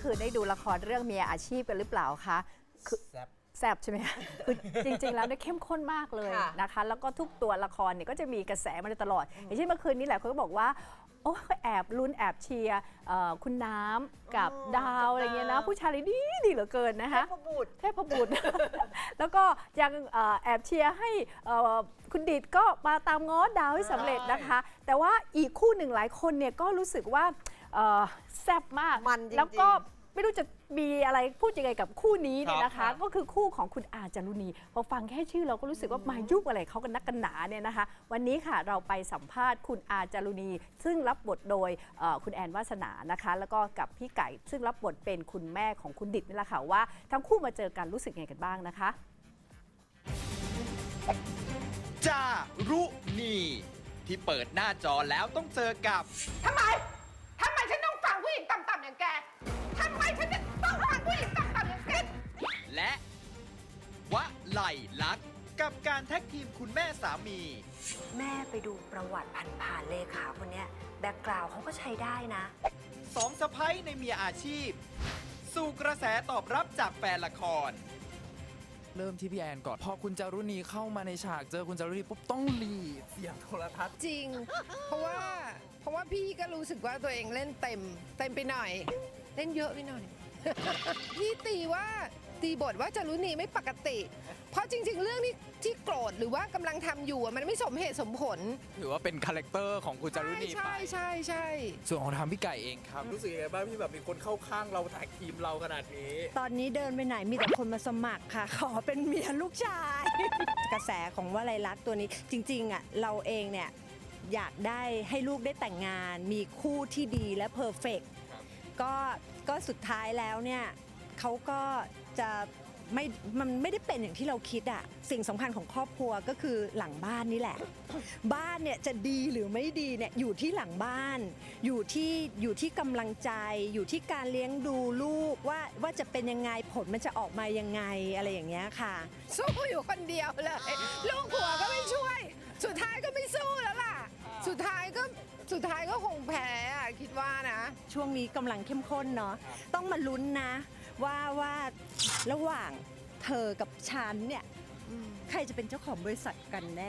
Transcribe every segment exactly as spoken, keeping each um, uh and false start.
คืนได้ดูละครเรื่องเมียอาชีพกันหรือเปล่าคะคือแซ่บใช่ไหมคะคือจริงๆแล้วเนี่ยเข้มข้นมากเลยนะคะแล้วก็ทุกตัวละครเนี่ยก็จะมีกระแสมาโดยตลอดอย่างเช่นเมื่อคืนนี้แหละเขาก็บอกว่าโอ้แอบลุ้นแอบเชียร์คุณน้ำกับดาวอะไรเงี้ยนะผู้ชายดีดีเหลือเกินนะคะเทพบุตรเทพบุตร แล้วก็ยังแอบเชียร์ให้คุณดิดก็มาตามง้อดาวให้สำเร็จนะคะแต่ว่าอีกคู่หนึ่งหลายคนเนี่ยก็รู้สึกว่าแซ่บมากแล้วก็ไม่รู้จะมีอะไรพูดยังไงกับคู่นี้เนี่ยนะคะก็คือคู่ของคุณอาจารุณีพอฟังแค่ชื่อเราก็รู้สึกว่ามายุ่งอะไรเขากันนักกันหนาเนี่ยนะคะวันนี้ค่ะเราไปสัมภาษณ์คุณอาจารุณีซึ่งรับบทโดยคุณแอนวาสนานะคะแล้วก็กับพี่ไก่ซึ่งรับบทเป็นคุณแม่ของคุณดิดนี่แหละค่ะว่าทั้งคู่มาเจอกันรู้สึกไงกันบ้างนะคะจารุณีที่เปิดหน้าจอแล้วต้องเจอกับทำไมทำไมฉันต้องฟังผู้หญิงต่ำๆอย่างแกทำไมฉันจะต้องฟังผู้หญิงต่ำๆอย่างแกและวะไหลลักษณ์กับการแท็กทีมคุณแม่สามีแม่ไปดูประวัติผ่านๆเลขาคนนี้แบ็กกราวด์เขาก็ใช้ได้นะสองสะพ้ยในเมียอาชีพสู่กระแสตอบรับจากแฟนละครเริ่มที่พี่แอนก่อนพอคุณจารุณีเข้ามาในฉากเจอคุณจารุณีปุ๊บต้องหลีดเสียงโทรทัศน์จริง เพราะว่าเพราะว่าพี่ก็รู้สึกว่าตัวเองเล่นเต็มเต็มไปหน่อยเล่นเยอะไปหน่อย พี่ตีว่าตีบทว่าจารุณีไม่ปกติ เพราะจริงๆเรื่องที่ที่โกรธหรือว่ากำลังทำอยู่มันไม่สมเหตุสมผลถือว่าเป็นคาแรคเตอร์ของคุณจารุณีไปใช่ใช่ใช่ส่วนของทางพี่ไก่เองครับรู้สึกยังไงบ้างที่แบบมีคนเข้าข้างเราแท็กทีมเราขนาดนี้ตอนนี้เดินไปไหนมีแต่คนมาสมัครค่ะ ขอเป็นเมียลูกชาย กระแสของวลัยลักษณ์ตัวนี้จริงๆอ่ะเราเองเนี่ยอยากได้ให้ลูกได้แต่งงานมีคู่ที่ดีและเพอร์เฟกต์ก็ก็สุดท้ายแล้วเนี่ยเขาก็จะไม่มันไม่ได้เป็นอย่างที่เราคิดอะสิ่งสำคัญของครอบครัวก็คือหลังบ้านนี่แหละ บ้านเนี่ยจะดีหรือไม่ดีเนี่ยอยู่ที่หลังบ้านอยู่ที่อยู่ที่กำลังใจอยู่ที่การเลี้ยงดูลูกว่าว่าจะเป็นยังไงผลมันจะออกมายังไงอะไรอย่างเงี้ยค่ะสู้อยู่คนเดียวเลยลูกผัวก็ไม่ช่วยสุดท้ายก็ไม่สู้แล้วล่ะสุดท้ายก็สุดท้ายก็คงแพ้อะคิดว่านะช่วงนี้กำลังเข้มข้นเนาะต้องมาลุ้นนะว่าว่าระหว่างเธอกับฉันเนี่ยใครจะเป็นเจ้าของบริษัทกันแน่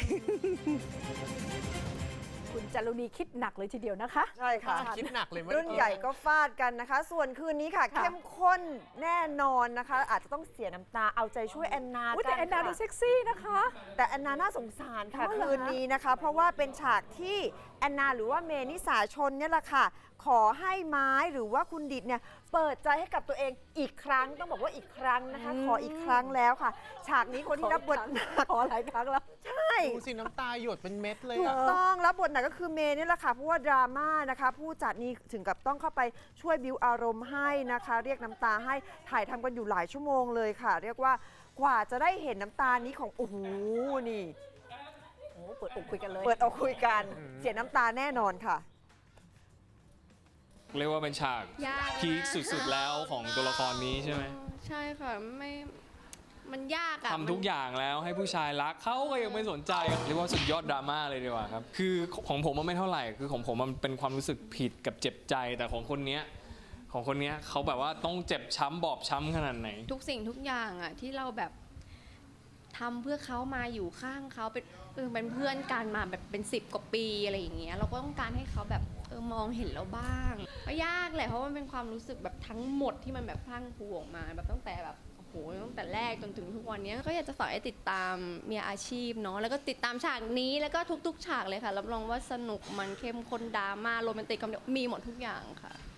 คุณจารุณีคิดหนักเลยทีเดียวนะคะใช่ค่ะคิดหนักเลยรุ่นใหญ่ก็ฟาดกันนะคะ ส่วนคืนนี้ค่ะเข้มข้นแน่นอนนะคะ อาจจะต้องเสียน้ำตาเอาใจช่วยแอนนากันแต่แอนนาดูเซ็กซี่นะคะแต่แอนนาน่าสงสารค่ะคืนนี้นะคะ เพราะว่าเป็นฉากที่แอนนาหรือว่าเมนิสาชนเนี่ยแหละค่ะขอให้ไม้หรือว่าคุณดิดเนี่ยเปิดใจให้กับตัวเองอีกครั้งต้องบอกว่าอีกครั้งนะคะขออีกครั้งแล้วค่ะฉากนี้คนที่รับบทหนักขอหลายครั้งแล้วใช่ดูสิน้ำตาหยดเป็นเม็ดเลยถูกต้องรับบทหนักก็คือเมย์นี่แหละค่ะเพราะว่าดราม่านะคะผู้จัดนี่ถึงกับต้องเข้าไปช่วยบิวอารมณ์ให้นะคะเรียกน้ำตาให้ถ่ายทำกันอยู่หลายชั่วโมงเลยค่ะเรียกว่ากว่าจะได้เห็นน้ำตานี้ของโอ้โหนี่โอ้เปิดอกคุยกันเลยเปิดอกคุยกันเสียน้ำตาแน่นอนค่ะเรียกว่าเป็นฉากพีคสุดๆแล้วของตัวละครนี้ใช่ไหมใช่ค่ะไม่มันยากอะทำทุกอย่างแล้วให้ผู้ชายรักเขาก็ยังไม่สนใจเรียกว่าสุดยอดดราม่าเลยดีกว่าครับคือของผมมันไม่เท่าไหร่คือของผมมันเป็นความรู้สึกผิดกับเจ็บใจแต่ของคนเนี้ยของคนเนี้ยเขาแบบว่าต้องเจ็บช้ำบอบช้ำขนาดไหนทุกสิ่งทุกอย่างอะที่เราแบบทำเพื่อเขามาอยู่ข้างเขาเป็นเป็นเพื่อนกันมาแบบเป็นสิบกว่าปีอะไรอย่างเงี้ยเราก็ต้องการให้เขาแบบเออมองเห็นเราบ้างก็ยากแหละเพราะมันเป็นความรู้สึกแบบทั้งหมดที่มันแบบพลั่งพลูออกมาแบบตั้งแต่แบบโอ้โหตั้งแต่แรกจนถึงทุกวันนี้ก็อยากจะฝากให้ติดตามเมียอาชีพเนาะแล้วก็ติดตามฉากนี้แล้วก็ทุกๆฉากเลยค่ะรับรองว่าสนุกมันเข้มข้นดราม่าโรแมนติกคอมเมดี้มีหมดทุกอย่างค่ะ